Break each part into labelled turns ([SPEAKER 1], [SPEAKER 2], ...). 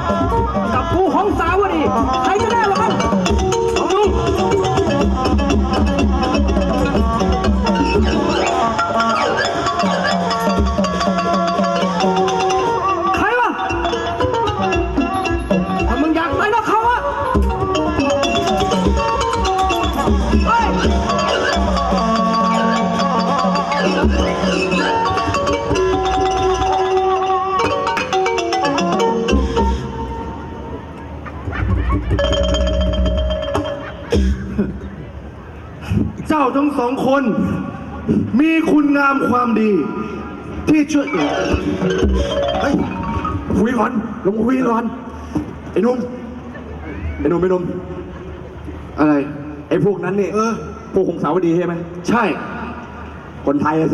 [SPEAKER 1] กับกูของสาวดีใครจะได้วะครับของมึงใครวะถ้ามึงอยากไปนะเขาอะเฮ้ย
[SPEAKER 2] เจ้าทั้งสองคนมีคุณงามความดีที่ช่วยเฮ้ยคุยก่อนลงคุยก่อนไอ้หนุ่มอะไรไอ้พวกนั้นเนี่ยพวกของสาวดีใช่ไหมใช่คนไทยอะสิ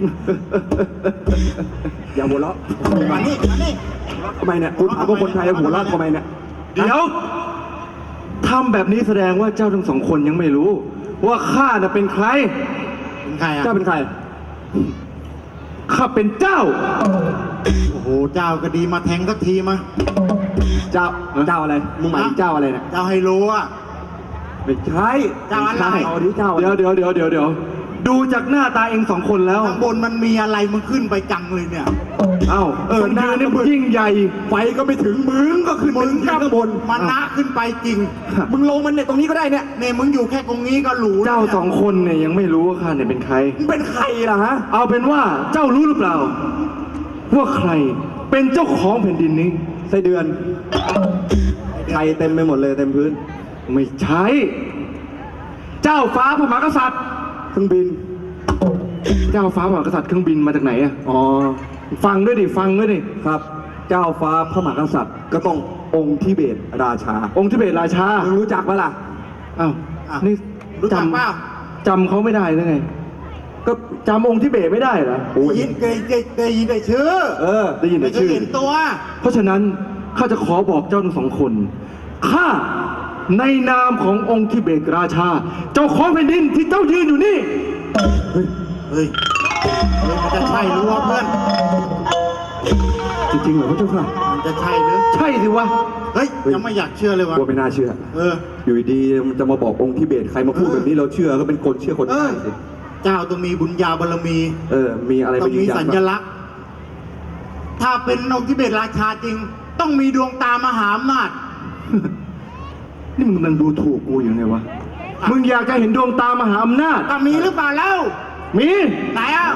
[SPEAKER 2] อย่าหัวเราะมานี่ทำไมเนี่ยคุณถามว่าคนไทยหัวเราะทำไมเนี่ยเดี๋ยวทำแบบนี้แสดงว่าเจ้าทั้งสองคนยังไม่รู้ว่าข้าน่ะเป็นใครเป็นใครอ่ะเจ้าเป็นใครข้าเป็นเจ้าโอ้โหเจ้าก็ดีมาแทงสักทีมาเจ้าอะไรมึงหมายถึงเจ้าอะไรเนี่ยเจ้าไฮโลอ่ะไม่ใช่เจ้าอะไรเดี๋ยวดูจากหน้าตาเองสองคนแล้วข้างบนมันมีอะไรมึงขึ้นไปจังเลยเนี่ยหน้านี่ยิ่งใหญ่ไฟก็ไม่ถึงมึงก็ขึ้นมึงข้างบนมันนะขึ้นไปจริงมึงลงมันเนี่ยตรงนี้ก็ได้เนี่ยมึงอยู่แค่ตรงนี้ก็รู้เจ้าสองคนเนี่ยยังไม่รู้ว่าข้าเนี่ยเป็นใครเป็นใครล่ะฮะเอาเป็นว่าเจ้ารู้หรือเปล่าว่าใครเป็นเจ้าของแผ่นดินนี้ไส้เดือนไข่เต็มไปหมดเลยเต็มพื้นไม่ใช่เจ้าฟ้าพระมหากษัตริย์เครื่องบินเจ้าฟ้าพระมหากษัตริย์เครื่องบินมาจากไหนอ่ะอ๋อฟังด้วยดิครับเจ้าฟ้าพระมหากษัตริย์ก็ต้ององค์ทิเบตราชาองค์ทิเบตราชามึงรู้จักปะล่ะอ้าวนี่รู้จักเปล่าจำเขาไม่ได้หรือไงก็จำองค์ทิเบตไม่ได้เหรอยินเคยได้ยินแต่ชื่อได้ยินแต่ชื่อเห็นตัวเพราะฉะนั้นข้าจะขอบอกเจ้าทั้งสองคนข้าในนามขององค์ทิเบตราชาเจ้าของแผ่นดินที่เจ้ายืนอยู่นี่เฮ้ยมันจะใช่หรือวะเพื่อนจริงๆเหรอพระเจ้าค่ะมันจะใช่หรือใช่สิวะเฮ้ยยังไม่อยากเชื่อเลยวะกลัวไม่น่าเชื่ออยู่ดีมันจะมาบอกองค์ทิเบตใครมาพูดแบบนี้เราเชื่อก็เป็นคนเชื่อคนง่ายสิเจ้าต้องมีบุญญาบารมีมีอะไรต้องมีสัญลักษณ์ถ้าเป็นองค์ทิเบตราชาจริงต้องมีดวงตามหาอำนาจนี่มึงกำลังดูถูกกูอยู่ไงวะมึงอยากจะเห็นดวงตามหาอำนาจก็มีหรือเปล่าแล้วมีไหนอ่ะ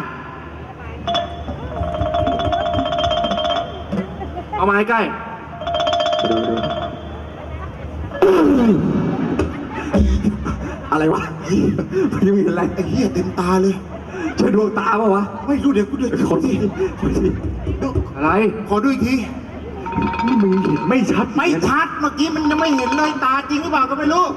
[SPEAKER 2] เอามาให้ใกล้อะไรวะยังมีอะไรไอ้เหี้ยเต็มตาเลยใช่ดวงตาป่ะวะไม่รู้เดี๋ยวกูดูขอทีอะไรขอดูอีกทีนี่มึงเห็นไม่ชัดเมื่อกี้มันยังไม่เห็นเลยตาจริงหรือเปล่าก็ไม่รู้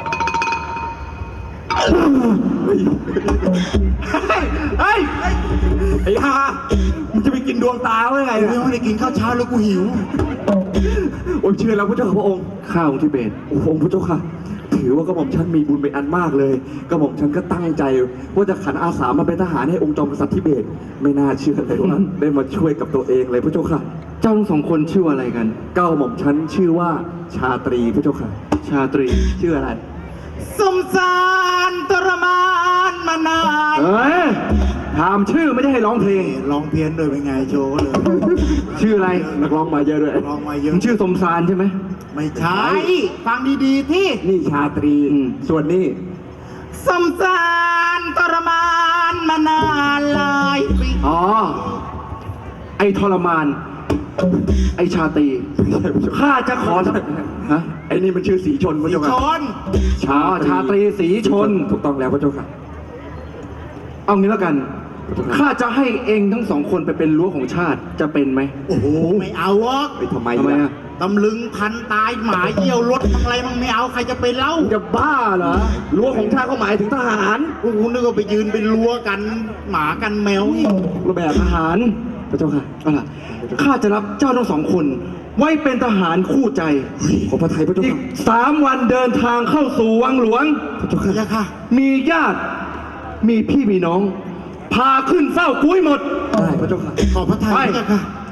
[SPEAKER 2] ไอ้ห่ามึงจะไปกินดวงตาไว้ไงไม่ได้กินข้าวเช้าแล้วกูหิวโอ้ยเชื่อแล้วพระเจ้าพระองค์ข้าองค์ทิเบตองค์พระเจ้าค่ะถือว่ากระหม่อมฉันมีบุญเป็นอันมากเลยกระหม่อมฉันก็ตั้งใจว่าจะขันอาสามาเป็นทหารให้องค์จอมกษัตริย์ทิเบตไม่น่าเชื่อเลยว่าได้มาช่วยกับตัวเองเลยพระเจ้าค่ะเจ้าทั้งสองคนชื่ออะไรกันกระหม่อมฉันชื่อว่าชาตรีพระเจ้าค่ะชาตรีชื่ออะไรสมสารทรมานมานานถามชื่อไม่ได้ให้ร้องเพลงร้องเพี้ยนด้วยเป็นไงโชว์เลยชื่ออะไรนักร้องมาเยอะด้วยร้องมาเยอะชื่อสมสารใช่ไหมไม่ใช่ฟังดีๆที่นี่ชาตรีส่วนนี้สมสารทรมานมานานหลายปีอ๋อไอทรมานไอชาตรีข้าจะขอฮะไอนี่มันชื่อสีชนพระเจ้าค่ะชาตรีสีชนถูกต้องแล้วพระเจ้าค่ะเอางี้แล้วกันข้าจะให้เองทั้งสองคนไปเป็นรั้วของชาติจะเป็นไหมโอ้โหไม่เอาวะไปทำไมอ่ะตำลึงพันตายหมาเยี่ยวรถอะไรมึงไม่เอาใครจะไปเล่าจะบ้าเหรอรั้วของชาติเขาหมายถึงทหารกูนึกว่าไปยืนเป็นรั้วกันหมากันแมวนี่ระแบบทหารพระเจ้าค่ะเอาล่ะข้าจะรับเจ้าทั้งสองคนไว้เป็นทหารคู่ใจขอพระทัยพระเจ้าค่ะ3 วันเดินทางเข้าสู่วังหลวงพระเจ้าค่ะมีญาติมีพี่มีน้องพาขึ้นเฝ้ากุ้ยหมดได้พระเจ้าค่ะขอพระทัยพระเจ้าค่ะ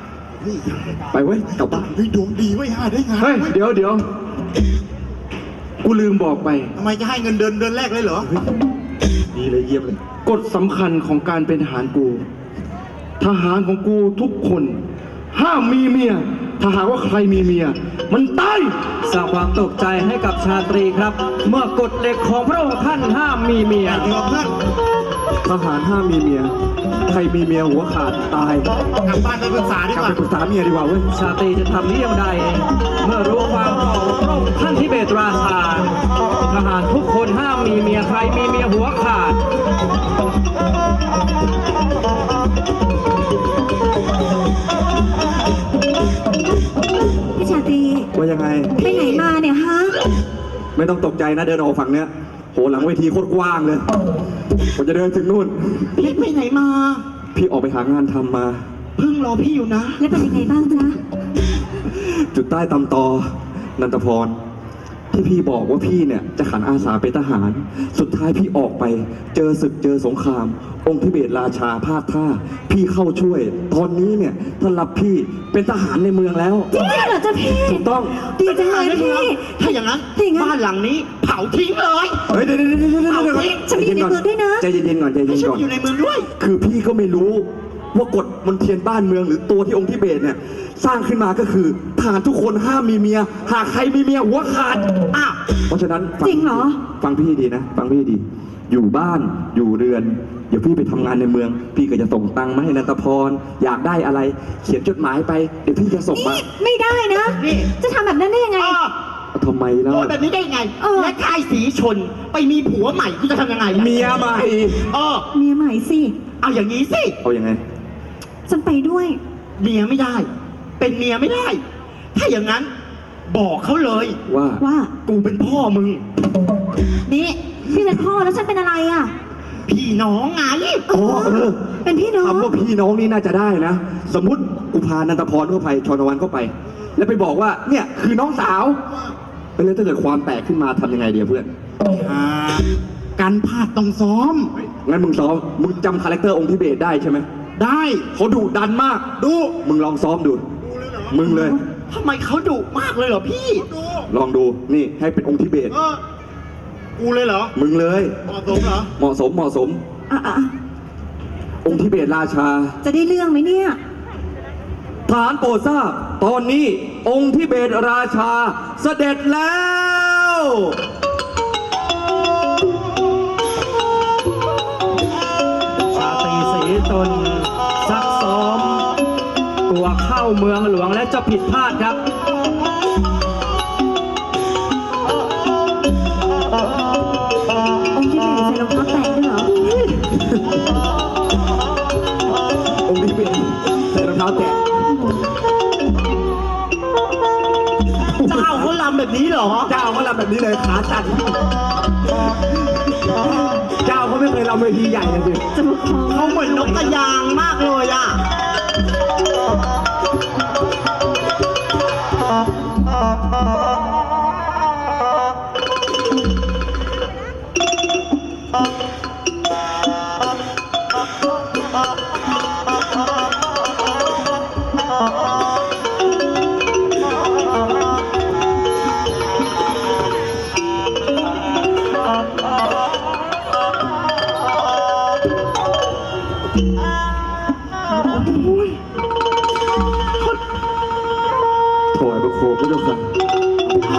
[SPEAKER 2] ไปเว้ยกลับบ้าน
[SPEAKER 3] เฮ้ยดวงดีไว้ยได้งาน
[SPEAKER 2] เฮ้ยเดี๋ยวกูลืมบอกไป
[SPEAKER 3] ทำไมจะให้เงินเดือนแรกเลยเหรอ
[SPEAKER 2] ดีเลยเยี่ยมเลยกฎสำคัญของการเป็นทหารกู ทหารของกูทุกคนห้ามมีเมียถ้าหากว่าใครมีเมียมันตาย
[SPEAKER 1] สร้างความตกใจให้กับชาตรีครับ เมื่อกฎเหล็กของพระองค์ท่านห้ามมีเมีย
[SPEAKER 3] เดี๋ยวเพื่อน
[SPEAKER 2] ทหารห้ามมีเมียใครมีเมียหัวขาดตาย
[SPEAKER 3] กลับบ้านไปปรึกษาดี
[SPEAKER 2] กลับ
[SPEAKER 3] กว่า
[SPEAKER 2] ไปปรึกษาเมียดีกว่าเว้ย
[SPEAKER 1] ชาตรีจะทำนี้อย่างใด เมื่อรู้ความของพระองค์ท่านทิเบตราชา ทหารทุกคนห้ามมีเมียใครมีเมียหัวขาด
[SPEAKER 4] พี่ชาตรี
[SPEAKER 2] ว่ายังไง
[SPEAKER 4] ไปไหนมาเนี่ยฮะ
[SPEAKER 2] ไม่ต้องตกใจนะเดินออกฝั่งเนี้ยโหหลังเวทีโคตรกว้างเลยผมจะเดินถึงนู่น
[SPEAKER 3] พี่ไปไหนมา
[SPEAKER 2] พี่ออกไปหางานทำมา
[SPEAKER 3] เพิ่งรอพี่อยู่นะ
[SPEAKER 4] แล้วเป็นยังไงบ้างจ๊ะ
[SPEAKER 2] จุดใต้ตำตอ นันทพร ที่พี่บอกว่าพี่เนี่ยจะขันอาสาเป็นทหาร สุดท้ายพี่ออกไป เจอศึกเจอสงคราม องค์ทิเบตราชาพลาดท่า พี่เข้าช่วย ตอนนี้เนี่ยท่านรับพี่เป็นทหารในเมืองแล้ว
[SPEAKER 4] จริงๆเหรอจ๊ะพี่
[SPEAKER 2] ถูกต้อง
[SPEAKER 4] ดีจังเลยพี่
[SPEAKER 3] ถ้าอย่างนั้น
[SPEAKER 4] จริงอะ
[SPEAKER 3] บ้านหลังนี้เผาทิ้งเลย
[SPEAKER 2] เฮ้ยเดี๋ยวก่อน
[SPEAKER 4] ฉันไม่อยู่ในเมืองด้วยนะ
[SPEAKER 2] ใจเย็นๆก่อนใจ
[SPEAKER 3] ให้
[SPEAKER 2] เย็น
[SPEAKER 3] ฉัน
[SPEAKER 2] ๆก่อน
[SPEAKER 3] อยู่ในเมืองด้วย
[SPEAKER 2] คือพี่ก็ไม่รู้ว่ากฎมนเทียนบ้านเมืองหรือตัวที่องค์ทิเบตเนี่ยสร้างขึ้นมาก็คือทหารทุกคนห้ามมีเมีย หากใครมีเมียหัวขาด
[SPEAKER 3] อ้าว
[SPEAKER 2] เพราะฉะนั้นฟั
[SPEAKER 4] จริงเหรอ
[SPEAKER 2] ฟังพี่ดีนะ ฟังพี่ดี อยู่บ้านอยู่เรือน เดี๋ยวพี่ไปทำงานในเมือง พี่ก็จะส่งตังค์มาให้นันทพร อยากได้อะไร เขียนจดหมายไป เดี๋ยวพี่จะส่งมา
[SPEAKER 4] นี่ไม่ได้นะ
[SPEAKER 3] นี่
[SPEAKER 4] จะทำแบบนั้นได้ยังไง
[SPEAKER 2] ทำไมล่ะ
[SPEAKER 3] โดนแบบนี้ได้ไง
[SPEAKER 4] เออ
[SPEAKER 3] และชายสีชนไปมีผัวใหม่กูจะทำยังไงล่ะ
[SPEAKER 2] เมียใหม่
[SPEAKER 3] เออ
[SPEAKER 4] เมียใหม่สิ
[SPEAKER 3] เอาอย่างนี้สิ
[SPEAKER 2] เอายังไง
[SPEAKER 4] ฉันไปด้วย
[SPEAKER 3] เมียไม่ได้ เป็นเมียไม่ได้ ถ้าอย่างนั้น บอกเขาเลย
[SPEAKER 2] ว่า
[SPEAKER 4] ว่า
[SPEAKER 3] กูเป็นพ่อมึง
[SPEAKER 4] นี่พี่เป็นพ่อแล้วฉันเป็นอะไรอ่ะ
[SPEAKER 3] พี่น้องไง
[SPEAKER 2] อ๋อเออ
[SPEAKER 4] เป็นพี่น้อง
[SPEAKER 2] คำว่าพี่น้องนี่น่าจะได้นะ สมมติกูพานันทพรเข้าไปชนวันเข้าไป แล้วไปบอกว่า เนี่ยคือน้องสาวไปเลยถ้าเกิดความแตกขึ้นมาทำยังไงเดียเพื่อน
[SPEAKER 3] การพลาดต้องซ้อม
[SPEAKER 2] งั้นมึงซ้อม มึงจำคาแรคเตอร์องค์ทิเบตได้ใช่ไหม
[SPEAKER 3] ได้
[SPEAKER 2] เขาดุดันมาก
[SPEAKER 3] ดู
[SPEAKER 2] มึงลองซ้อมดู มึงเลย
[SPEAKER 3] ทำไมเขาดุมากเลยเหรอพี่
[SPEAKER 2] ลองดู นี่ให้เป็นองค์ทิเบต
[SPEAKER 3] กูเลยเหรอ
[SPEAKER 2] มึงเลย
[SPEAKER 3] เหมาะสมเหรอ
[SPEAKER 2] เหมาะสมเหมาะสม
[SPEAKER 4] อ่ะ
[SPEAKER 2] องค์ทิเบตราชา
[SPEAKER 4] จะได้เรื่องไหมเนี่ย
[SPEAKER 2] ทหารโปรดทราบ ตอนนี้องค์ทิเบตราชาเสด็จแล้ว
[SPEAKER 1] ชาตรีศรีตนซักซ้อม ตัวเข้าเมืองหลวงและจะผิดพลาดครับ
[SPEAKER 4] องค์ที่ไหนใส่รองเท้าแตะด้วยเหรอ
[SPEAKER 2] องค์ทิเบตใส่รองเท้าแตะ
[SPEAKER 3] เจ้าเขาลำแบบนี้เหรอ
[SPEAKER 2] เจ้าเขาลำแบบนี้เลยขาสั่นเจ้าเขาไม่เคยลำเวทีใหญ่เลยสิ
[SPEAKER 4] จะมาคล้อง
[SPEAKER 3] เขาเหมือนนกกระยางมากเลยอ่ะ
[SPEAKER 2] ถอยประโคมก็จะสั่น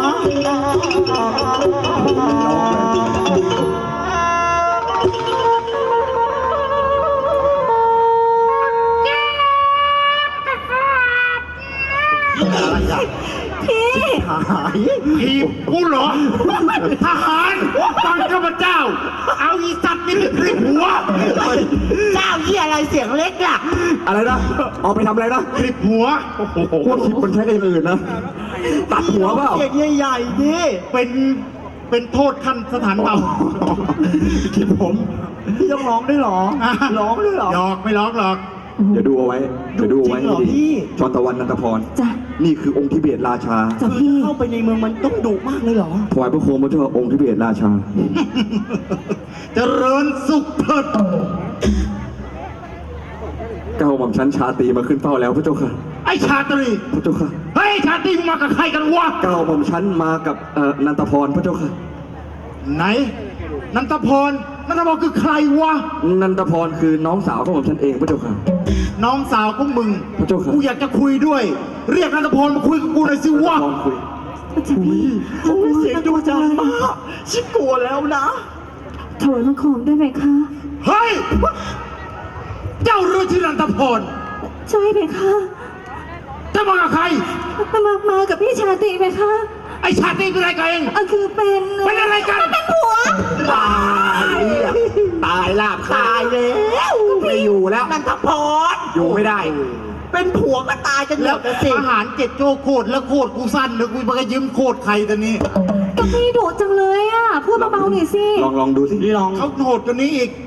[SPEAKER 4] พี่
[SPEAKER 3] หายทีมกูเหรอ ทหารฟังข้าพเจ้า เอาอีสัตว์นี่ไปคลิปหัว เจ้าเหี้ยอะไรเสียงเล็กล่ะ
[SPEAKER 2] อะไรนะออกไปทำอะไรนะ
[SPEAKER 3] คลิปหัว
[SPEAKER 2] พวกคลิปมันใช้กันอย่างอื่นนะ ตัดหัวเปล่า
[SPEAKER 3] เสียงใหญ่ๆนี่เป็นโทษขั้นสถานเบา
[SPEAKER 2] คลิปผม
[SPEAKER 3] พี่ต้องร้องด้วยหรอ ร้องด้วยหรอหยอกไม่ร้องหรอก
[SPEAKER 2] เดี๋ยวดูเอาไว้ เดี๋ยวดูเอาไว้
[SPEAKER 3] จริงเหรอ
[SPEAKER 2] ให้
[SPEAKER 3] พี่
[SPEAKER 2] ดีชอนตะวันนันทพร
[SPEAKER 4] จ้ะ
[SPEAKER 2] นี่คือองค์ทิเบตราชา
[SPEAKER 4] จ้ะพี่
[SPEAKER 3] เข้าไปในเมืองมันต้องดุมากเลยเหรอ
[SPEAKER 2] ถวายพระโคมพระเจ้าองค์ทิเบตราชา
[SPEAKER 3] เจริญสุขเถิด
[SPEAKER 2] เก้าหม่อมชั้นชาตรีมาขึ้นเฝ้าแล้วพระเจ้าค่ะ
[SPEAKER 3] ไอ้ชาตรี
[SPEAKER 2] พระเจ้าค่ะ
[SPEAKER 3] เฮ้ยชาตรีมึงมากับใครกันวะ
[SPEAKER 2] เก้าหม่อมฉันมากับนันทพรพระเจ้าค่ะ
[SPEAKER 3] ไหน นันทพรคือใครวะ
[SPEAKER 2] นันทพรคือน้องสาวของหม่อมฉันเองพระเจ้าค่ะ
[SPEAKER 3] น้องสาวของมึง
[SPEAKER 2] พระเจ้าค่ะ
[SPEAKER 3] กูอยากจะคุยด้วย เรียกนันทพรมาคุยกับกูหน่อยสิวะ
[SPEAKER 2] พรคุย
[SPEAKER 4] เจ้าพี่ฉันเสียงดูจังมาก
[SPEAKER 3] ชิบกลัวแล้วนะ
[SPEAKER 4] ถวายบังคมได้ไหมคะ
[SPEAKER 3] เฮ้ย เจ้ารู้ที่นันทพร
[SPEAKER 4] ใช่ไหมคะ
[SPEAKER 3] จะมากับใคร
[SPEAKER 4] มากับพี่ชาติไหมคะ
[SPEAKER 3] ไอ้ชาตรีเป็นอะไรกันเอง
[SPEAKER 4] คือเป็น
[SPEAKER 3] เป็นอะไรกัน
[SPEAKER 4] เป็นผัว
[SPEAKER 3] ตายลาบตายแล้วไม่อยู่แล้วนันทพรอยู่ไม่ได้
[SPEAKER 5] เป็นผัวก็ตายกันหม
[SPEAKER 3] แล้ว
[SPEAKER 5] ดนะสิ
[SPEAKER 3] อาหารเจ็ดโจโคตรแล้วโคตรกูสั้นแล้วกูมายืมโคตรใครตอนนี้
[SPEAKER 4] ก็พี่ดุจังเลยอ่ะ พูดเบาๆหน่อยสิ
[SPEAKER 2] ลองดูสิ
[SPEAKER 5] ลอง
[SPEAKER 3] เขาโหดกันนี้อีก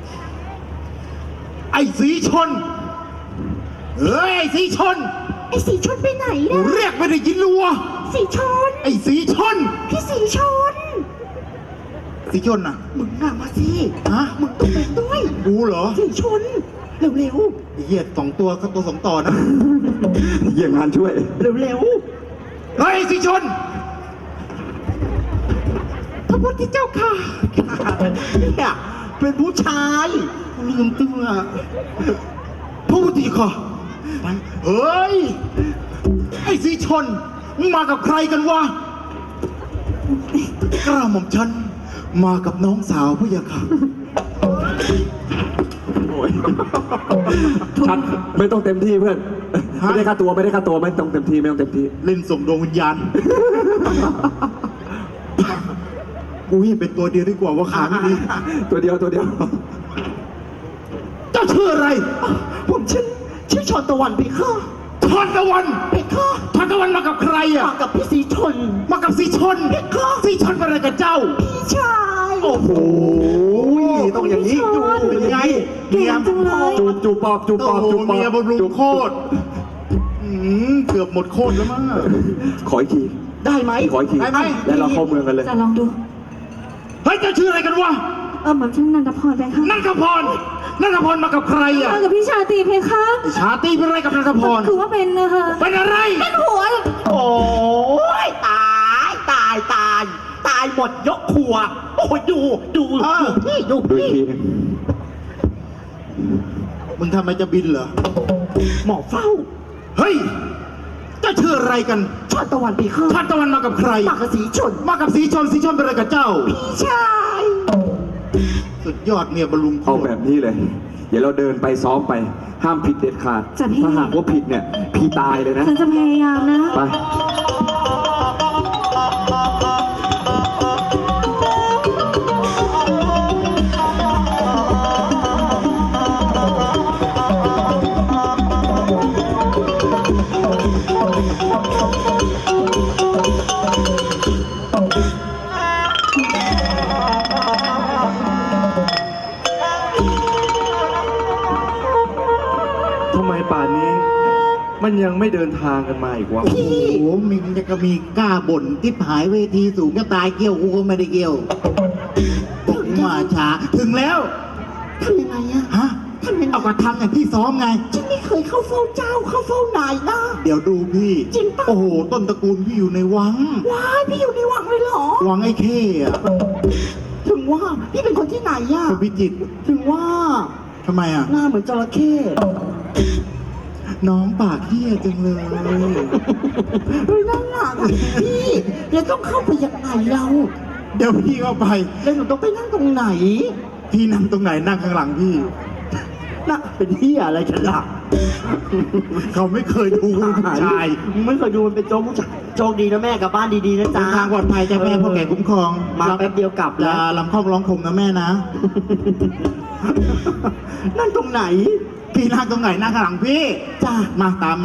[SPEAKER 3] ไอ้สีชน เฮ้ยไอ้สีชน
[SPEAKER 4] ไอ้สีชนไปไหนนะ
[SPEAKER 3] เรียกไม่ได้ยินรัว
[SPEAKER 4] สีชน
[SPEAKER 3] ไอ้สีชน
[SPEAKER 4] พี่สีชน
[SPEAKER 3] สีชนน่ะ
[SPEAKER 5] มึงน่ะมาสิ
[SPEAKER 3] ฮะ
[SPEAKER 5] มึงต้องเป็นด้วย
[SPEAKER 3] กูเหรอ
[SPEAKER 5] สิชน เร็ว
[SPEAKER 3] ไอ้เหี้ยสองตัวเขาตัวสองต่อนะ
[SPEAKER 2] เยี่ยมงานช่วย
[SPEAKER 5] ๆ เร็ว
[SPEAKER 3] เฮ้ยไอ้สีชน
[SPEAKER 5] ๆพระพุทธเจ้าค่ะเนี่ยเป็นผู้ชายลืมตัว
[SPEAKER 3] พูดดีกว่าเฮ้ย ไอ้สีชน มึงมากับใครกันวะกล้าหม่อมฉัน มากับน้องสาวผู้ยาค่ะ
[SPEAKER 2] ชัดไม่ต้องเต็มที่เพื่อน ไม่ได้ค่าตัวไม่ได้ค่าตัวไม่ต้องเต็มที่ไม่ต้องเต็มที่
[SPEAKER 3] เล่นส่งดวงวิญญาณ กูเห็นเป็นตัวเดียวดีกว่าว่าขาไม่ดี
[SPEAKER 2] ตัวเดียว
[SPEAKER 3] เจ้าชื่ออะไร
[SPEAKER 5] ผมชื่อชอนตะวันไปค่ะ
[SPEAKER 3] ทอนตะวัน
[SPEAKER 5] ไปค่ะ
[SPEAKER 3] ทอนตะวันมากับใครอ่ะ
[SPEAKER 5] มากับพี่สีชน
[SPEAKER 3] มากับสีชนสีชนเป็นอะไรกับเจ้า
[SPEAKER 5] พี่ชาย
[SPEAKER 3] โอ้โห
[SPEAKER 2] ต้องอย่างนี้
[SPEAKER 4] พี่ชน
[SPEAKER 3] เป็นไง
[SPEAKER 4] เก่งจังเลย
[SPEAKER 2] จูบปอบจูบป
[SPEAKER 3] โอ้
[SPEAKER 2] อบ
[SPEAKER 3] โห
[SPEAKER 2] จูบปอบ
[SPEAKER 3] เมียบำรุงโคตรเกือบหมดโคตรแล้วมั้ง
[SPEAKER 2] ขออีกที
[SPEAKER 5] ได้ไหม
[SPEAKER 2] ขออีกที
[SPEAKER 3] ได้ไหม
[SPEAKER 2] แล้วเราเข้าเมืองกันเลย
[SPEAKER 4] จะลองดู
[SPEAKER 3] เฮ้ยเจ้าชื่ออะไรกันวะ
[SPEAKER 4] หม่อมฉันนันทพรไปค่ะ
[SPEAKER 3] นันทพรมากับใครอ่ะ
[SPEAKER 4] มากับพี่ชาติเพคะ
[SPEAKER 3] ชาตรีเป็นอะไรกับนันทพร
[SPEAKER 4] คือว่าเป็นนะคะ
[SPEAKER 3] เป็นอะไร
[SPEAKER 4] เป็นผัว
[SPEAKER 5] โอ้ยตายหมดยกครัว โอ้ยดูพี่ดู
[SPEAKER 2] ดูอี
[SPEAKER 5] พี่
[SPEAKER 2] กทีหนึง
[SPEAKER 3] มึงทำไมจะบินเหรอ
[SPEAKER 5] หมอเฝ้า
[SPEAKER 3] เฮ้ยเจ้าชื่ออะไรกัน
[SPEAKER 5] ชอนตะวันไปค่ะ
[SPEAKER 3] ชาติตะวันมากับใคร
[SPEAKER 5] มากับสีชน
[SPEAKER 3] มากับสีชนเป็นอะไรกับเจ้า
[SPEAKER 5] พี่ชาย
[SPEAKER 3] สุดยอดเมียบำรุงโค
[SPEAKER 2] เอา
[SPEAKER 3] ต
[SPEAKER 2] แบ
[SPEAKER 3] ร
[SPEAKER 2] บนี้เลย เดี๋ยวเราเดินไปซ้อมไป ห้ามผิดเด็ดขาด
[SPEAKER 4] จ้ะพี่
[SPEAKER 2] ถ้าหากว่าผิดเนี่ย พี่ตายเลยนะ
[SPEAKER 4] ฉันจะพยายามนะ
[SPEAKER 2] ไป
[SPEAKER 6] ทำไมป่านนี้ มันยังไม่เดินทางกันมาอีกวะ
[SPEAKER 3] โอ้โหมึงจะก็มีกล้าบ่นที่หายเวทีสูงก็ตายเกี่ยวกูก็ไม่ได้เกี่ยวมาช้าถึงแล้ว
[SPEAKER 5] ทำยังไงอะ
[SPEAKER 3] ฮะเอาก็ทำอย่างที่ซ้อมไง
[SPEAKER 5] ฉันไม่เคยเข้าเฝ้าเจ้าเข้าเฝ้านายนะ
[SPEAKER 3] เดี๋ยวดูพี่
[SPEAKER 5] จริงปะ
[SPEAKER 3] โอ้โห ต้นตระกูลพี่อยู่ในวัง
[SPEAKER 5] ว้ายพี่อยู่ในวังเลยเหรอ
[SPEAKER 3] วังไอ้เข้อะ
[SPEAKER 5] ถึงว่าพี่เป็นคนที่ไหนอะ
[SPEAKER 3] คนพิจิตร
[SPEAKER 5] ถึงว่า
[SPEAKER 3] ทำไมอ่ะ
[SPEAKER 5] หน้าเหมือนจระเข้
[SPEAKER 3] น้องปากเหี้ยจังเลย
[SPEAKER 5] เฮ้ยนั่นหนักอะพี่แล้วต้องเข้าไปยังไงเรา
[SPEAKER 3] เดี๋ยวพี่เข้าไป
[SPEAKER 5] แล้วหนูต้องไปนั่งตรงไหน
[SPEAKER 3] พี่นั่งตรงไหนนั่งข้างหลังพี่
[SPEAKER 5] น่ะเป็นที่อะไรกันล่ะ
[SPEAKER 3] เขาไม่เคยดูผู้ชาย
[SPEAKER 5] มึงไม่เคยดูมันเป็นโจ๊กผู้ชายโชคดีนะแม่กลับบ้านดีๆนะ
[SPEAKER 3] เดิ
[SPEAKER 5] จ๊ะ
[SPEAKER 3] นทางปลอดภัยจ้ะแม่พ่อแก่คุ้มครอง
[SPEAKER 5] มาแป๊บเดียวกลับ
[SPEAKER 3] อ
[SPEAKER 5] แล้
[SPEAKER 3] ย่าว ลำคอกร้องคมนะแม่นะ
[SPEAKER 5] นั่งตรงไหน
[SPEAKER 3] พี่นั่งตรงไหนนั่งข้างหลังพี่
[SPEAKER 5] จ้ะ
[SPEAKER 3] มาตามมา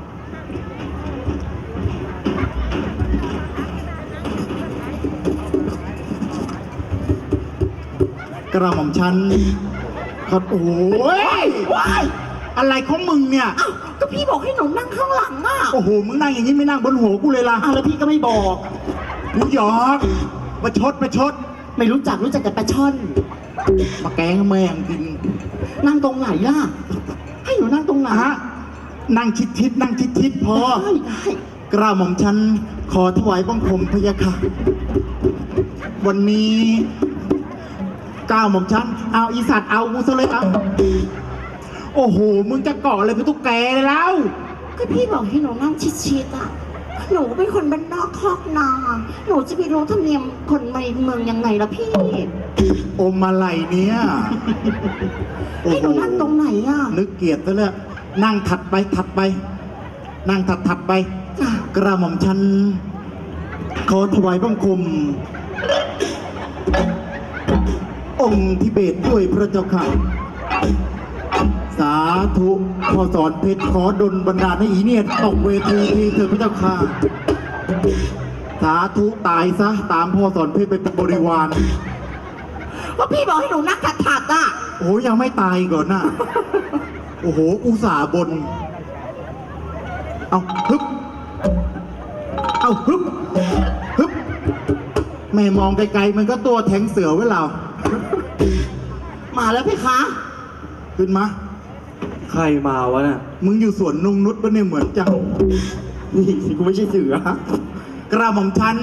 [SPEAKER 3] กระหม่อมฉันก็โอ้ย
[SPEAKER 5] ว้าย
[SPEAKER 3] อะไรของมึงเนี่ย
[SPEAKER 5] อ้าวก็พี่บอกให้หนูนั่งข้างหลังอ่ะ
[SPEAKER 3] โอ้โห มึงนั่งอย่างนี้ไม่นั่งบนหัวกูเลยล่ะ
[SPEAKER 5] อ้าวแล้วพี่ก็ไม่บอก
[SPEAKER 3] กูหยอกประชด
[SPEAKER 5] ไม่รู้จักแต่ปลาช่อน
[SPEAKER 3] มาแกล้งแม่งกิน
[SPEAKER 5] นั่งตรงไหนล่ะ ให้หนูนั่งตรงไหน
[SPEAKER 3] ฮะ
[SPEAKER 5] นั่งชิดๆนั่งชิดๆพอ กล้าหม่อมฉันขอถวายบังคมพระยาค่ะ วันนี้กล้าหม่อมฉันเอาอีสัตว์เอากูซะเลยเอาโอ้โห มึงจะเกาะอะไรเป็นตุ๊กแกเลยแล้ว
[SPEAKER 4] ก็พี่บอกให้หนูนั่งชิดๆอ่ะ หนูเป็นคนบ้านนอกคอกนาหนูจะไปรู้ธรรมเนียมคนในเมืองยังไงล่ะพี่
[SPEAKER 5] อมอะไรเนี่ยโอ้
[SPEAKER 4] ให้ห
[SPEAKER 5] โห
[SPEAKER 4] นูนั่งตรงไหนอ่ะ
[SPEAKER 5] นึกเกลียดซะแล้วนั่งถัดไปถัดไป นั่งถัดไป
[SPEAKER 4] จ้ะ
[SPEAKER 5] กระหม่อมฉันขอถวายบังคม องค์ทิเบตด้วยพระเจ้าค่ะ สาธุพอสอนเพชรขอดลบันดาลให้อีเนี่ยตกเวทีทีเถิดพระเจ้าค่ะ สาธุตายซะตามพ่อสอนเพชรไปเป็นบริวาร
[SPEAKER 4] ก็พี่บอกให้หนูนั่งถัดๆอ่ะ
[SPEAKER 5] โอ้ยังไม่ตายก่อนน่ะ โอ้โห อุตส่าห์บน เอาฮึบ เอาฮึบ ฮึบ แม่มองไกลๆมันก็ตัวแทงเสือไว้เรา
[SPEAKER 4] มาแล้วพี่คะ
[SPEAKER 5] ขึ้นมา
[SPEAKER 6] ใครมาวะน่ะ
[SPEAKER 5] มึงอยู่สวนนงนุชปะเนี่ยเหมือนจัง นี่กูไม่ใช่เสือ กระหม่อมฉัน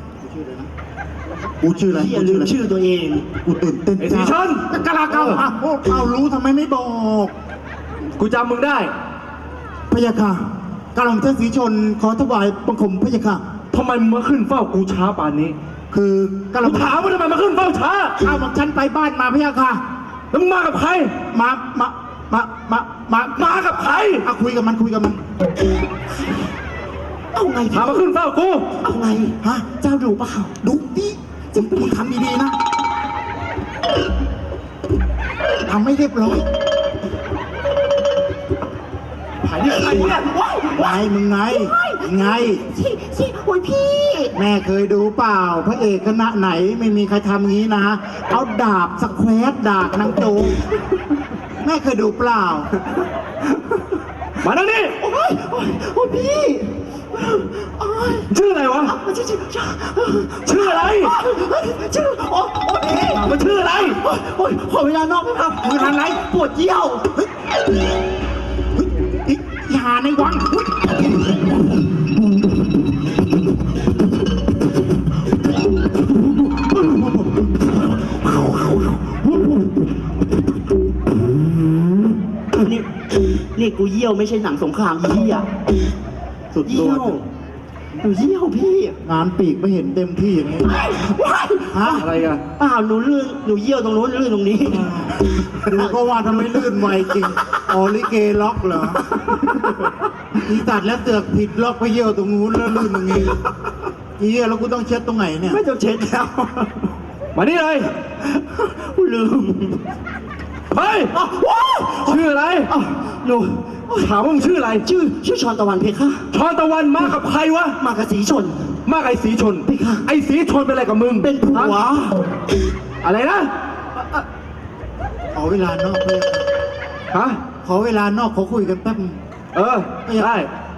[SPEAKER 5] กูชื่ออะไร
[SPEAKER 3] อย่าลืมชื่อตัวเอง
[SPEAKER 5] กูตื่นเต้น
[SPEAKER 1] ไอ้สีชน
[SPEAKER 5] กะลาเก้าเอารู้ทำไมไม่บอก
[SPEAKER 1] กูจำมึงได้
[SPEAKER 5] พระยาค่ะกระหม่อมฉันสีชนขอถวายบังคมพระยาค่ะ
[SPEAKER 1] ทำไมมึงมาขึ้นเฝ้ากูช้าป่านนี้
[SPEAKER 5] คือกระห
[SPEAKER 1] กู
[SPEAKER 5] ม่อม
[SPEAKER 1] ถามว่าทำไมมาขึ้นเฝ้าช้า
[SPEAKER 5] เอาหม่อมฉันไปบ้านมาพระยาค่ะ
[SPEAKER 1] แล้วมึงมากับใคร
[SPEAKER 5] มา
[SPEAKER 1] มากับใคร
[SPEAKER 5] เอาคุยกับมันคุยกับมัน
[SPEAKER 4] เอาไง
[SPEAKER 1] ถามมาขึ้นเฝ้ากู
[SPEAKER 4] เอาไง
[SPEAKER 5] ฮะ
[SPEAKER 4] เจ้าดูเปล่า
[SPEAKER 5] ดูดิมึงทำดีๆนะทำไม่เรียบร้อย
[SPEAKER 1] ถ่ายนี่ใครเนี่ย
[SPEAKER 5] ไงมึงไง ไง
[SPEAKER 4] สิโอ้ยพี่
[SPEAKER 5] แม่เคยดูเปล่า พระเอกคณะไหนไม่มีใครทำงี้นะ เอาดาบสแควตดาบนางโจงแม่เคยดูเปล่า
[SPEAKER 1] มาแล้วนี่
[SPEAKER 4] โอ้ยพี่โอ้ย
[SPEAKER 1] ชื่ออะไรวะ ชื่ออะไร
[SPEAKER 4] ชื่อโอ้พี่
[SPEAKER 1] มันชื่ออะไร
[SPEAKER 4] โอ้ยขอเวลานอกครับ
[SPEAKER 5] มึงทำไร
[SPEAKER 4] ปวดเยี่ยว
[SPEAKER 5] เฮ้ยอย่าในวังเฮ้ย
[SPEAKER 3] นี่กูเยี่ยวไม่ใช่หนังสงครามเยี่ย
[SPEAKER 5] สุดย
[SPEAKER 3] เยี่
[SPEAKER 5] อ
[SPEAKER 3] ยว
[SPEAKER 5] ด
[SPEAKER 3] หนูเยี่ยวพี่
[SPEAKER 5] งานปีกไม่เห็นเต็มที่อย่างนี้ ฮะ
[SPEAKER 1] อะไรกัน
[SPEAKER 3] เปล่าหนูลื่นหนูเยี่ยวตรงนู้นลื่นตรงนี้
[SPEAKER 5] ดูก็ว่าทำไมลื่นไวจริงออลิเกล็อกเหรออีสัตว์แล้วเสือกผิดล็อกไปเยี่ยวตรงนู้นแล้วลื่นตรงนี้อีเหี้ยแล้วกูต้องเช็ดตรงไหนเนี่ย
[SPEAKER 3] ไม่ต้องเช็ดแล้ว
[SPEAKER 1] มานี่เลย
[SPEAKER 3] กูลืม
[SPEAKER 1] เฮ้ย ชื่ออะไร
[SPEAKER 3] หนู
[SPEAKER 1] ถามว่ามึงชื่ออะไร
[SPEAKER 3] ชื่อชอนตะวันเพคะ
[SPEAKER 1] ชอนตะวันมากับใครวะ
[SPEAKER 3] มากับสีชน
[SPEAKER 1] มากับไอ้สีชน
[SPEAKER 3] พี่ค่ะ
[SPEAKER 1] ไอ้สีชนเป็นอะไรกับมึง
[SPEAKER 3] เป็นผัว
[SPEAKER 1] ฮะอะไรนะ
[SPEAKER 5] ขอเวลานอกเลย
[SPEAKER 1] ฮะ
[SPEAKER 5] ขอเวลานอกขอคุยกันแป๊บนึง
[SPEAKER 1] เออ ได้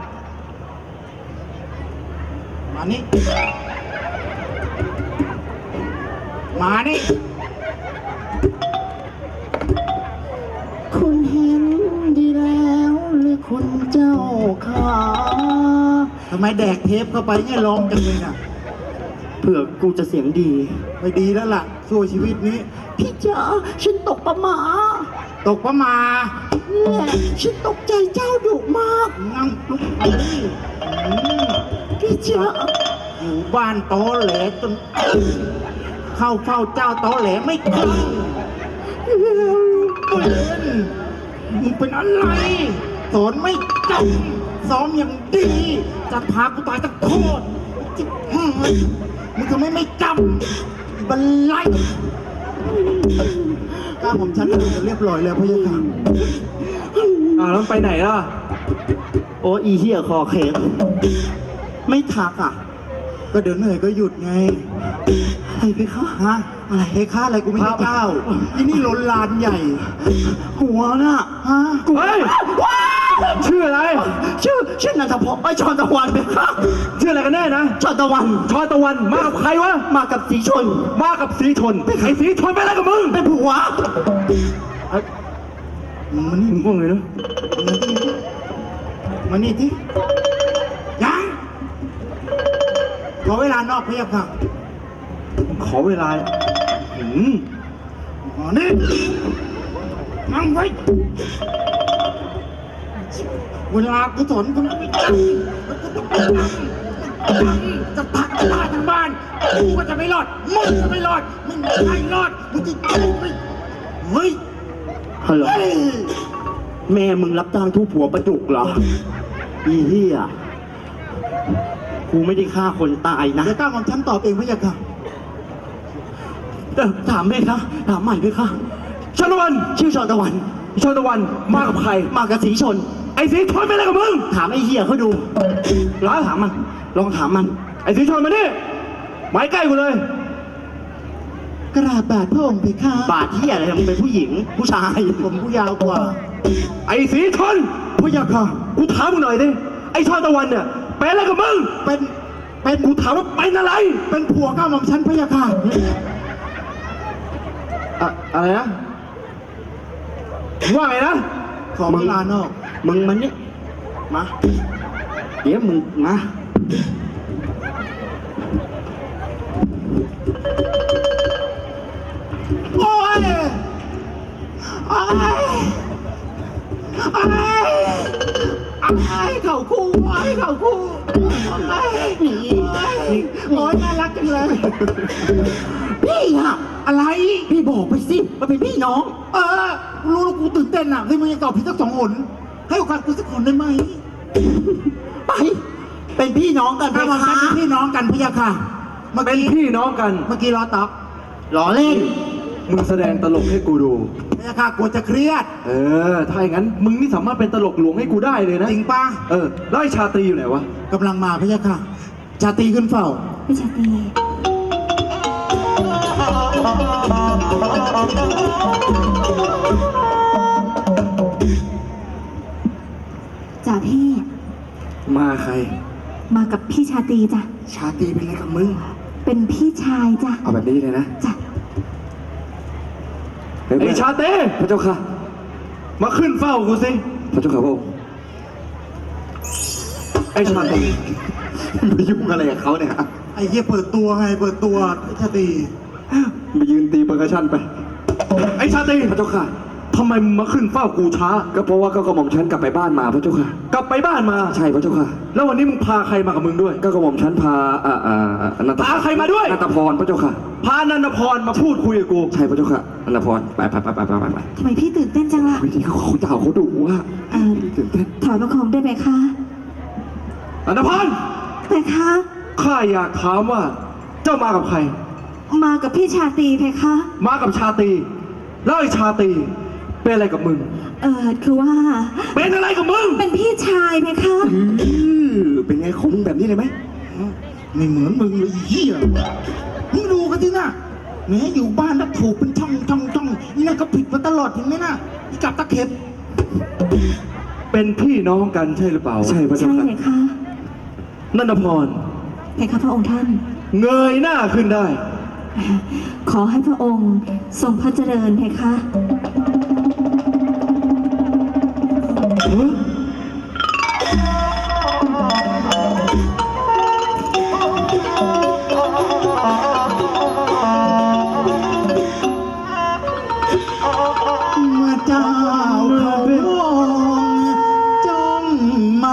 [SPEAKER 5] มานี่ มานี่
[SPEAKER 3] คุณเห็นดีแล้วหรือคุณเจ้าขา
[SPEAKER 5] ทำไมแดกเทปเข้าไปเนี่ยร้องจังเลยน่ะ
[SPEAKER 3] เผื่อกูจะเสียงดี
[SPEAKER 5] ไม่ดีแล้วล่ะช่วยชีวิตนี้
[SPEAKER 3] พี่จ๋าฉันตกประหมา
[SPEAKER 5] ตกประมา
[SPEAKER 3] เนี่ยฉันตกใจเจ้าดุมาก
[SPEAKER 5] งั้งลุกไปนี่
[SPEAKER 3] พี่จ๋า
[SPEAKER 5] อยู่บ้านตอแหลจนเข้าเฝ้าเจ้าตอแหลไม่ขึ้นมึงเป็นอะไร สอนไม่จำซ้อมอย่างดี จะพากูตายตะโคตรจิ๊บมึงทำไมไม่จำบันไลก้าผมฉันเรียบร้อยแล้วพะยะค่ะ
[SPEAKER 1] แล้วมันไปไหนล่ะ
[SPEAKER 3] โอ้อีเหี้ยคอเข็มไม่ทักอ่ะ
[SPEAKER 5] ก็เดี๋ยวเหนื่อยก็หยุดไง
[SPEAKER 3] อะไรพี่คะ
[SPEAKER 5] ฮะอะไรเฮ้ค่าอะไรกูไม่ใช่เจ้าที่นี่ล้นลานใหญ่
[SPEAKER 3] หัวน่ะ
[SPEAKER 5] ฮะ
[SPEAKER 1] เฮ้ย ชื่ออะไร
[SPEAKER 3] ชื่อนันทพรไอยชอนตะวันพี่คะ
[SPEAKER 1] ชื่ออะไรกันแน่นะ
[SPEAKER 3] ชอนตะวัน
[SPEAKER 1] ชอนตะวัน มากับใครวะ
[SPEAKER 3] มากับสีชน
[SPEAKER 1] มากับสีชน ไอ้สีชนเป็นอะไรกับมึง
[SPEAKER 3] เป็นผัว
[SPEAKER 5] มันนี่
[SPEAKER 1] มึงง่วงเลยนะ
[SPEAKER 5] มันนี่มานี่ที่ยังขอเวลานอกพะยะค่ะ
[SPEAKER 6] ขอเวลาหืม
[SPEAKER 5] อ๋อนี่นั่งไว้เวลากุศลก็ไม่จะพักบ้านทั้งบ้านกูก็จะไม่รอดมึงก็ไม่รอดไม่มีใครรอดมึงจะกูไม่เฮ้ย
[SPEAKER 3] ฮัลโหล
[SPEAKER 5] เฮ้ย
[SPEAKER 3] แม่มึงรับจ้างทุบหัวประจุกเหรออีเหี้ยกูไม่ได้ฆ่าคนตายนะ
[SPEAKER 5] เดี๋ยวก้าวของฉันตอบเองพะยะค่ะ
[SPEAKER 3] ถามแม่คะถามใหม่ด้วยค่ะ
[SPEAKER 1] ชาละวัน
[SPEAKER 3] ชื่อชอนตะวัน
[SPEAKER 1] ชาละวันมากับใคร
[SPEAKER 3] มากับสีชน
[SPEAKER 1] ไอ้สีชนเป็นอะไรกับมึง
[SPEAKER 3] ถามไอ้เหี้ยเขาดูลองถามมัน ลองถามมัน
[SPEAKER 1] ไอ้สีชนมานี่ไม้ใกล้กูเลย
[SPEAKER 5] กราบบาทพระองค์เพคะ
[SPEAKER 3] บาดเหี้ยอะไรมึงเป็นผู้หญิง ผู้ชาย
[SPEAKER 5] ผมผู้ยาวกว่า
[SPEAKER 1] ไอ้สีชน
[SPEAKER 5] พะยะค่ะ
[SPEAKER 1] กูถามมึงหน่อยดิไอ้ชอนตะวันเนี่ยเป็นอะไรกับมึง
[SPEAKER 5] เป็น
[SPEAKER 1] กูถามว่าเป็นอะไร
[SPEAKER 5] เป็นผัวก้าวของฉันพะยะค่ะ
[SPEAKER 1] อะไรนะว่าไงนะ
[SPEAKER 5] ขอเวลานอก
[SPEAKER 3] มึงมันนี่มา เดี๋ยวมึงมา
[SPEAKER 5] โอ้ยโอ้ยโอ้ยเขาคู่โอ้ยเขาคู่โอ้ยโอ้ยน่ารักจังเลย
[SPEAKER 3] พี่อะ
[SPEAKER 5] อะไร
[SPEAKER 3] พี่บอกไปสิว่าเป็นพี่น้อง
[SPEAKER 5] เออรู้แล้วกูตื่นเต้นอ่ะเฮ้ยมึงยังตอบผิดสัก2 หนให้โอกาสกูสักคนได้ไหม
[SPEAKER 3] ไป เป็นพี่น้องกันไหม
[SPEAKER 5] ถ้ามอง
[SPEAKER 3] คะ
[SPEAKER 5] กันเป็นพี่น้องกันพะยะค่ะ เมื่อ
[SPEAKER 1] เป็น
[SPEAKER 5] กี้
[SPEAKER 1] พี่น้องกัน
[SPEAKER 5] เมื่อกี้ล้อต๊อก
[SPEAKER 3] ล้อเล่น
[SPEAKER 1] มึงแสดงตลกให้กูดู
[SPEAKER 5] พะยะค่ะกลัวจะเครียด
[SPEAKER 1] เออ ถ้าอย่างนั้น มึงนี่สามารถเป็นตลกหลวงให้กูได้เลยนะ
[SPEAKER 5] จริงปะ
[SPEAKER 1] เออ แล้วไอ้ชาตรีอยู่ไหนวะ
[SPEAKER 5] กำลังมาพะยะค่ะ ชาตรีขึ้นเฝ้า
[SPEAKER 4] พี่ชาตรีจ่าพี่
[SPEAKER 1] มาใคร
[SPEAKER 4] มากับพี่ชาตรีจ้ะ
[SPEAKER 1] ชาตรีเป็นอะไรกับมึง
[SPEAKER 4] เป็นพี่ชายจ้ะ
[SPEAKER 1] เอาแบบนี้เลยนะ
[SPEAKER 4] จ้ะ
[SPEAKER 1] ไอ้ชาตรีพระเจ้าค่ะ มาขึ้นเฝ้ากูสิ พระเจ้าค่ะพระองค์ไอ้ชาตรีไปยุ่งอะไรกับเขาเนี่ย
[SPEAKER 5] ไอ้เหี้ยเปิดตัวไงเปิดตัวชาตรี
[SPEAKER 1] ไปยืนตีเปอร์คัชชั่นไป ไอ้ชาตรีพระเจ้าค่ะทำไมมึงมาขึ้นเฝ้ากูช้า ก็เพราะว่าก็กระหม่อมฉันกลับไปบ้านมาพระเจ้าค่ะ กลับไปบ้านมา ใช่พระเจ้าค่ะ แล้ววันนี้มึงพาใครมากับมึงด้วย ก็กระหม่อมฉันพานันทพาใครมาด้วยนันทพรพระเจ้าค่ะ พานันทพรมาพูดคุยกับกู ใช่พระเจ้าค่ะ นันทพรไป
[SPEAKER 4] ทำไมพี่ตื่นเต้นจังล่ะ
[SPEAKER 1] วิธีเขาเจ้าเขาดุว่าตื่นเต้น
[SPEAKER 4] ถอยประคองได้ไหมคะ
[SPEAKER 1] นันทพร
[SPEAKER 4] เพคะ
[SPEAKER 1] ข้าอยากถามว่า เจ้ามากับใคร
[SPEAKER 4] มากับพี่ชาตรีเพคะ
[SPEAKER 1] มากับชาตรีแล้วไอ้ชาตรีเป็นอะไรกับมึง
[SPEAKER 4] คือว่า
[SPEAKER 1] เป็นอะไรกับมึง
[SPEAKER 4] เป็นพี่ชายเพคะ
[SPEAKER 1] เป็นไงของมึงแบบนี้เลยไหม
[SPEAKER 5] ไม่เหมือนมึงเลยไอ้เหี้ยมึงดูกันสินะแม้อยู่บ้านแล้วถูกเป็นช่องนี่นั่นก็ผิดมาตลอดเห็นไหมนะอีกับตะเข็บ
[SPEAKER 1] เป็นพี่น้องกันใช่หรือเปล่า ใช่พระ
[SPEAKER 4] ใช่
[SPEAKER 1] เจ้าค่ะ
[SPEAKER 4] เพคะ
[SPEAKER 1] นันทพร
[SPEAKER 4] เพคะพระองค์ท่าน
[SPEAKER 1] เงยหน้าขึ้นได้
[SPEAKER 4] ขอให้พระองค์ทรงพระเจริญเพคะ
[SPEAKER 5] เมื่อเจ้าเขามองจ้องมา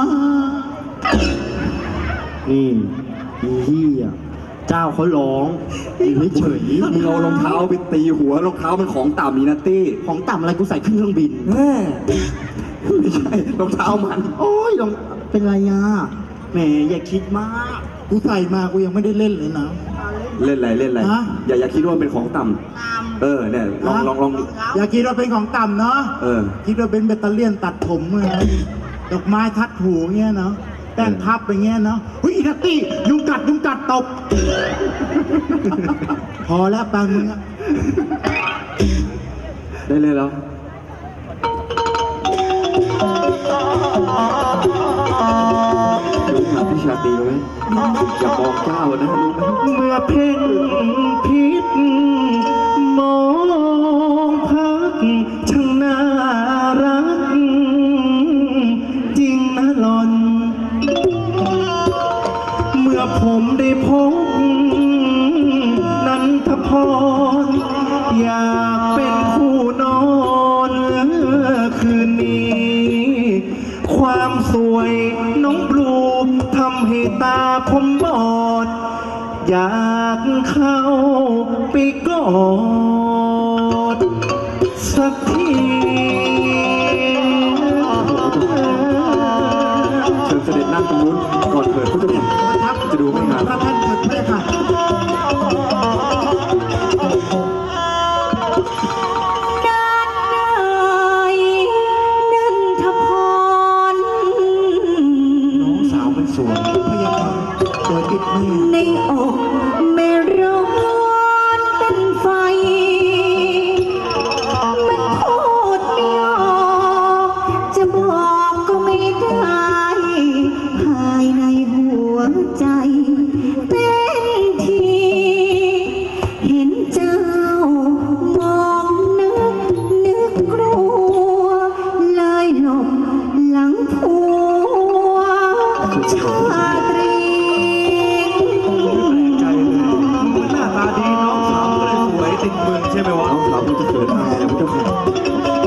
[SPEAKER 3] นี่อีเหี้ยเจ้าเขาร้องอยู่เฉย
[SPEAKER 1] มึงเอารองเท้าไปตีหัวรองเท้ามันของต่ำนี่นะตี้
[SPEAKER 3] ๆของต่ำอะไรกูใส่ขึ้นเครื่องบิน
[SPEAKER 1] ไม่ใช่รองเท้ามัน
[SPEAKER 3] โอ้ยลองเป็นไรอ่ะแหมอย่าคิดมาก
[SPEAKER 5] กูใส่มากูยังไม่ได้เล่นเลยนะ
[SPEAKER 1] เล่นอะไร
[SPEAKER 5] ฮะ
[SPEAKER 1] อย่าคิดว่ามันเป็นของต่ำเนี่ยลอง
[SPEAKER 5] อย่าคิดว่าเป็นของต่ำเนาะ
[SPEAKER 1] เออ
[SPEAKER 5] คิดว่าเป็นแบตเตอรี่ยนตัดผมเนะดอกไม้ทัดหูเงี้ยเนาะแป้งพับไปเงี้ยเนาะเฮ้ยอีนัตตี้ยุงกัดตบ พอแล้วปังมึงอะ
[SPEAKER 1] ได้เลยแล้วรู้หาพี่ชาตรีไหมอย่าบอกเจ้านะรู้ไหม
[SPEAKER 3] เมื่อเพ่งพิษมองพักช่างน่ารัก จริงนะหลอน
[SPEAKER 1] อผมได้พบนันทพร อยากเป็นคู่นอนคืนนี้ ความสวยน้องบลูทำให้ตาผมบอด อยากเข้าไปกอดสักที เชิญเสด็จนั่งตรงนู้นก่อนเถิดพระเจ้าค่ะ
[SPEAKER 5] ประทับ
[SPEAKER 1] จะดูไม่งาม
[SPEAKER 5] พระท่านเถิดพระเจ้าค่ะ
[SPEAKER 4] นันทพร
[SPEAKER 1] น้องสาวมันสวย
[SPEAKER 5] พระยาค่ะสวยติดแม่
[SPEAKER 4] ในอกแม่ร้อนเป็นไฟ มันพูดไม่ออกจะบอกก็ไม่ได้ ภายในหัวใจเต้นที เห็นเจ้ามองนึกกลัว เลยหลบหลังผัวชาตรี
[SPEAKER 6] ใจเลยมึงหน้าตาดีน้องสาวก็เลยสวยติดมึงใช่ไหมวะ
[SPEAKER 1] น้องสาวมันจะเกิดอะไรนะพระเจ้าค่ะ